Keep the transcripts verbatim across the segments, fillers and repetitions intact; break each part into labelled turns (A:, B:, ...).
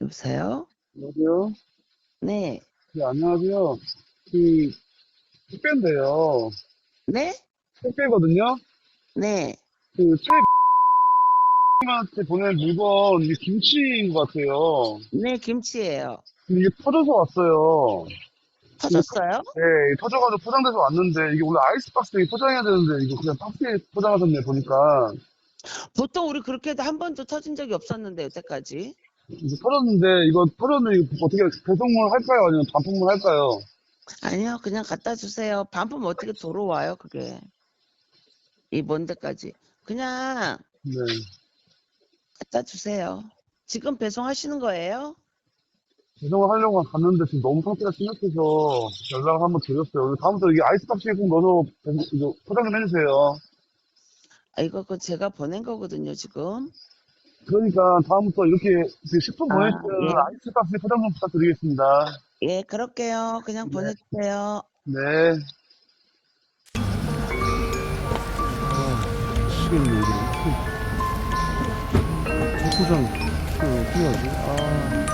A: 여보세요?
B: 여보세요?
A: 네.
B: 네, 안녕하세요. 그, 택배인데요.
A: 네?
B: 택배거든요?
A: 네.
B: 그, 최님한테 보낸 물건, 이게 김치인 것 같아요.
A: 네, 김치예요.
B: 근데 이게 터져서 왔어요. 이게 터,
A: 터졌어요?
B: 네, 터져가지고 포장돼서 왔는데, 이게 원래 아이스박스에 포장해야 되는데, 이거 그냥 박스에 포장하셨네, 보니까.
A: 보통 우리 그렇게 해도 한 번도 터진 적이 없었는데, 여태까지.
B: 이게 터졌는데, 이거 터졌는데, 이거 어떻게 배송을 할까요? 아니면 반품을 할까요?
A: 아니요, 그냥 갖다 주세요. 반품 어떻게 들어와요, 그게. 이 먼 데까지. 그냥
B: 네.
A: 갖다 주세요. 지금 배송하시는 거예요?
B: 배송을 하려고 갔는데, 지금 너무 상태가 심각해서 연락을 한번 드렸어요. 다음부터 이게 아이스박스에 꼭 넣어서 배송, 이거 포장 좀 해주세요.
A: 아, 이거 그 제가 보낸 거거든요, 지금.
B: 그러니까 다음부터 이렇게 그 식품 보낼
A: 아,
B: 때는
A: 예.
B: 아이스박스 포장 좀 부탁드리겠습니다.
A: 예, 그럴게요. 그냥
B: 네.
A: 보내주세요.
B: 네.
C: 미치겠네, 이거. 초코장, 이거 어떻게 하지? 아.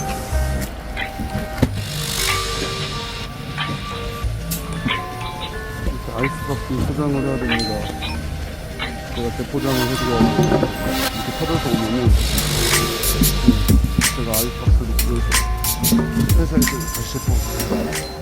C: 이렇게 아이스박스 포장을 해야 됩니다. 제가 대포장을 해드려야 이렇게 터져서 오면은, 제가 아이스박스를 구해서 회사에서 다시 제품.